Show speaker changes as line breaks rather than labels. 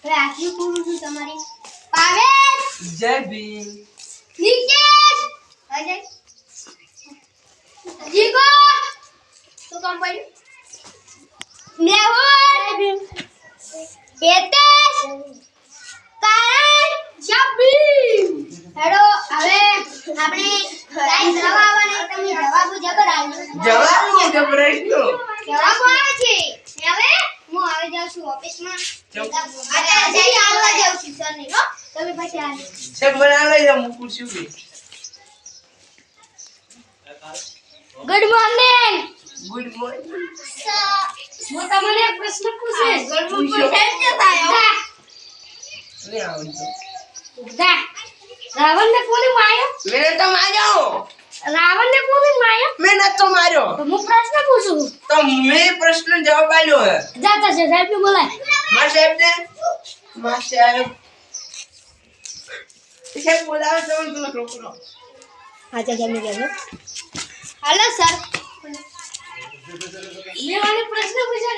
હવે આખી પૂરું છું તમારી પાવેલ
જય ભીમ
નિકેશ અજય જીગો તો કામ પડ્યું મેહુલ જય ભીમ હેતેશ કારણ જય ભીમ હેડો હવે આપણે ટાઈમ જવાબ આવવાનો તમે જવાબો જબર આવજો
જવાનું જબરાઈનો
જવાબ આવે છે હવે હું આવી જાઉં છું ઓફિસમાં અત્યારે જઈ આવવા જાઉં છું સર ને હો તમે પછી આવજો
છે બના લઈ જાઉં ખુરશી ઉપર
ગુડ મોર્નિંગ
ગુડ મોર્નિંગ
હું તમને એક પ્રશ્ન પૂછીશ ગુડ મોર્નિંગ કેમ થાય
લે આવજો
જા રાવણ ને કોને માર્યો
મેને તો માર્યો
રાવણ ને કોને માર્યો
મેં નતો માર્યો
તો હું પ્રશ્ન પૂછું
તો મેં પ્રશ્ન જવાબ આલ્યો હે
જાતા છે સાહેબ ને બોલાય
માર સાહેબ ને માર સાહેબ સાહેબ બોલાવો તો મને રોકરો
આજા જમી ગયા હેલો સર મેં મને પ્રશ્ન પૂછ્યો